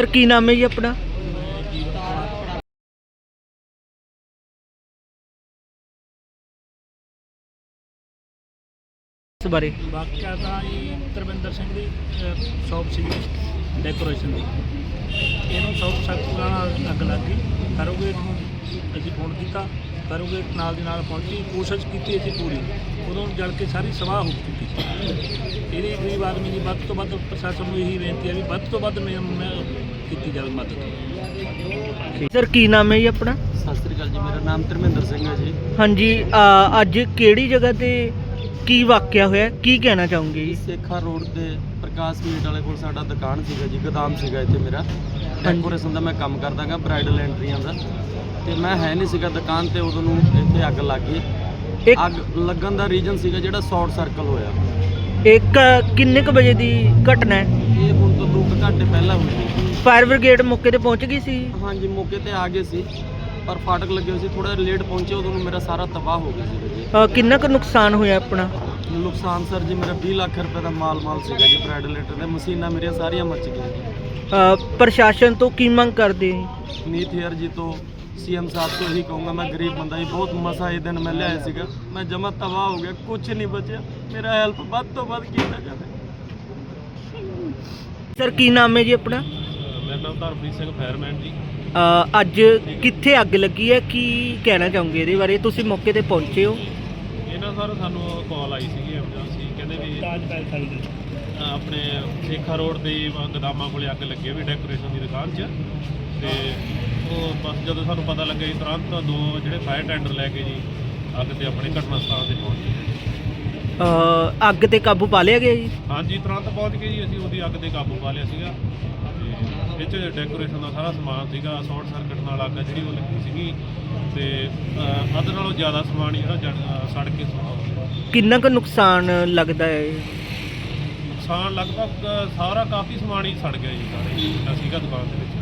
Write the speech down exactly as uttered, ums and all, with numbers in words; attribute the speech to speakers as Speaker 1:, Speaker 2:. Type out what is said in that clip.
Speaker 1: Sir ਕੀ ਨਾਮ ਹੈ ਜੀ ਆਪਣਾ? ਇਸ ਬਾਰੇ
Speaker 2: ਵਾਕਿਆ ਤਾਂ ਜੀ ਤਰਵਿੰਦਰ ਸਿੰਘ ਦੀ ਸ਼ੌਪ ਸੀ ਡੈਕੋਰੇਸ਼ਨ ਦੀ। ਇਹਨੂੰ ਸ਼ੌਪ ਸਖਤ ਨਾਲ ਅੱਗ ਲੱਗ ਗਈ। ਕਰੋਗੇ ਨੂੰ ਅਸੀਂ ਫੋਨ ਕੀਤਾ, ਕਰੋਗੇ ਨਾਲ ਦੀ ਨਾਲ ਪਹੁੰਚੀ, ਕੋਸ਼ਿਸ਼ ਕੀਤੀ ਅਸੀਂ ਪੂਰੀ, ਉਦੋਂ ਜਲ ਕੇ ਸਾਰੀ ਸਵਾਹ ਹੋ ਚੁੱਕੀ ਸੀ। ਇਹਦੀ ਗਰੀਬ ਆਦਮੀ ਦੀ ਵੱਧ ਤੋਂ ਵੱਧ ਪ੍ਰਸ਼ਾਸਨ ਨੂੰ ਇਹੀ ਬੇਨਤੀ ਹੈ ਵੀ ਵੱਧ ਤੋਂ ਵੱਧ ਮੈਂ ਕੀਤੀ ਜਾਵੇ ਮਦਦ।
Speaker 1: ਸਰ ਕੀ ਨਾਮ ਹੈ ਜੀ ਆਪਣਾ?
Speaker 3: ਸਤਿ ਸ੍ਰੀ ਅਕਾਲ ਜੀ, ਮੇਰਾ ਨਾਮ ਧਰਮਿੰਦਰ ਸਿੰਘ ਹੈ ਜੀ।
Speaker 1: ਹਾਂਜੀ, ਅ, ਅੱਜ ਕਿਹੜੀ ਜਗ੍ਹਾ ਤੇ ਕੀ ਵਾਕਿਆ ਹੋਇਆ, ਕੀ ਕਹਿਣਾ ਚਾਹੋਗੇ ਜੀ?
Speaker 3: ਸੇਖਾ ਰੋਡ ਤੇ ਪ੍ਰਕਾਸ਼ ਮੀਟ ਵਾਲੇ ਕੋਲ ਸਾਡਾ ਦੁਕਾਨ ਸੀਗਾ ਜੀ, ਗੋਦਾਮ ਸੀਗਾ ਇੱਥੇ ਮੇਰਾ। ਡੈਕੋਰੇਸ਼ਨ ਦਾ ਮੈਂ ਕੰਮ ਕਰਦਾ ਗਾ, ਬ੍ਰਾਈਡਲ ਐਂਟਰੀਆਂ ਦਾ। ਤੇ ਮੈਂ ਹੈ ਨਹੀਂ ਸੀਗਾ ਦੁਕਾਨ ਤੇ, ਉਦੋਂ ਨੂੰ ਇੱਥੇ ਅੱਗ ਲੱਗ ਗਈ।
Speaker 1: ਇੱਕ
Speaker 3: ਅੱਗ ਲੱਗਣ ਦਾ ਰੀਜ਼ਨ ਸੀਗਾ ਜਿਹੜਾ ਸ਼ਾਰਟ ਸਰਕਲ ਹੋਇਆ।
Speaker 1: ਇੱਕ ਕਿੰਨੇ ਕੁ ਵਜੇ ਦੀ ਘਟਨਾ ਹੈ?
Speaker 3: ਇਹ ਹੁਣ ਤੋਂ ਦੋ ਕੁ ਘੰਟੇ ਪਹਿਲਾਂ ਹੋਈ ਸੀ।
Speaker 1: ਫਾਇਰ ਬ੍ਰਿਗੇਡ ਮੌਕੇ ਤੇ ਪਹੁੰਚ ਗਈ ਸੀ?
Speaker 3: ਹਾਂਜੀ, ਮੌਕੇ ਤੇ ਆ ਗਏ ਸੀ, ਪਰ ਫਾਟਕ ਲੱਗੇ ਹੋਏ ਸੀ, ਥੋੜਾ ਲੇਟ ਪਹੁੰਚੇ, ਉਦੋਂ ਨੂੰ ਮੇਰਾ ਸਾਰਾ ਤਬਾਹ ਹੋ ਗਿਆ ਸੀ ਜੀ।
Speaker 1: ਅ, ਕਿੰਨਾ ਕੁ ਨੁਕਸਾਨ ਹੋਇਆ ਆਪਣਾ?
Speaker 3: ਨੁਕਸਾਨ ਸਰ ਜੀ ਮੇਰਾ ਵੀਹ ਲੱਖ ਰੁਪਏ ਦਾ ਮਾਲ ਮਾਲ ਸੀਗਾ ਜੀ, ਬ੍ਰਾਈਡਲ ਐਂਟਰ ਦੇ ਮਸ਼ੀਨਾਂ ਮੇਰੀਆਂ ਸਾਰੀਆਂ ਮੱਚ ਗਈਆਂ।
Speaker 1: ਅ, ਪ੍ਰਸ਼ਾਸਨ ਤੋਂ ਕੀ ਮੰਗ ਕਰਦੇ ਹੋ?
Speaker 3: ਨੀਤ ਹੇਅਰ ਜੀ ਤੋਂ, ਸੀਐਮ ਸਾਹਿਬ ਤੋਂ ਇਹੀ ਕਹੂੰਗਾ, ਮੈਂ ਗਰੀਬ ਬੰਦਾ ਜੀ, ਬਹੁਤ ਮਸਾ ਇਹ ਦਿਨ ਮੈਂ ਲਿਆਇਆ ਸੀਗਾ, ਮੈਂ ਜਮਾ ਤਬਾਹ ਹੋ ਗਿਆ, ਕੁਝ ਨਹੀਂ ਬਚਿਆ। ਮੇਰਾ ਹੈਲਪ ਵੱਧ ਤੋਂ ਵੱਧ ਕੀਤਾ ਜਾਵੇ।
Speaker 1: ਸਰ ਕੀ ਨਾਮ ਹੈ ਜੀ ਆਪਣਾ?
Speaker 2: ਮੇਰਾ ਨਾਮ ਧਰਮਪ੍ਰੀਤ ਸਿੰਘ ਫਾਇਰਮੈਨ ਜੀ।
Speaker 1: ਅ, ਅੱਜ ਕਿੱਥੇ ਅੱਗ ਲੱਗੀ ਹੈ, ਕੀ ਕਹਿਣਾ ਚਾਹੋਗੇ ਇਹਦੇ ਬਾਰੇ? ਤੁਸੀਂ ਮੌਕੇ ਤੇ ਪਹੁੰਚੇ ਹੋ?
Speaker 4: ਇਹਨਾਂ ਸਰ ਸਾਨੂੰ ਕਾਲ ਆਈ ਸੀਗੀ ਐਮਰਜੈਂਸੀ, ਕਹਿੰਦੇ ਵੀ
Speaker 2: ਤਾਜ ਪੈਲਸ ਵਾਲੀ ਦੇ
Speaker 4: ਆਪਣੇ ਸੇਖਾ ਰੋਡ ਦੇ ਗੋਦਾਮਾਂ ਕੋਲੇ ਅੱਗ ਲੱਗੀ ਹੋਈ ਡੈਕੋਰੇਸ਼ਨ ਦੀ ਦੁਕਾਨ 'ਚ। ਤੇ ਉਹ ਬਸ ਜਦੋਂ ਸਾਨੂੰ ਪਤਾ ਲੱਗਿਆ ਜੀ, ਤੁਰੰਤ ਦੋ ਜਿਹੜੇ ਫਾਇਰ ਟੈਂਡਰ ਲੈ ਕੇ ਜੀ ਅੱਗ ਤੇ ਆਪਣੇ ਘਟਨਾ ਸਥਾਨ ਤੇ ਪਹੁੰਚ ਗਏ।
Speaker 1: ਅ, ਅੱਗ ਤੇ ਕਾਬੂ ਪਾ ਲਿਆ ਗਿਆ ਜੀ?
Speaker 4: ਹਾਂਜੀ, ਤੁਰੰਤ ਪਹੁੰਚ ਗਏ ਜੀ, ਅਸੀਂ ਉਹਦੀ ਅੱਗ ਤੇ ਕਾਬੂ ਪਾ ਲਿਆ ਸੀਗਾ। ਤੇ ਇਹ 'ਚ ਡੈਕੋਰੇਸ਼ਨ ਦਾ ਸਾਰਾ ਸਮਾਨ ਸੀਗਾ, ਸ਼ਾਰਟ ਸਰਕਟ ਨਾਲ ਅੱਗ ਜਿਹੜੀ ਉਹ ਲੱਗੀ ਸੀਗੀ। ਤੇ ਅ, ਅੱਧ ਨਾਲੋਂ ਜ਼ਿਆਦਾ ਸਮਾਨ ਜਿਹੜਾ ਜੜ ਸੜ ਕੇ ਸੁੱਕਾ ਹੋ ਗਿਆ।
Speaker 1: ਕਿੰਨਾ ਕੁ ਨੁਕਸਾਨ ਲੱਗਦਾ ਹੈ?
Speaker 4: ਨੁਕਸਾਨ ਲਗਭਗ ਸਾਰਾ ਕਾਫੀ ਸਮਾਨ ਹੀ ਸੜ ਗਿਆ ਜੀ, ਸਾਰੇ ਜਿਹੜਾ ਸੀਗਾ ਦੁਕਾਨ ਦੇ ਵਿੱਚ।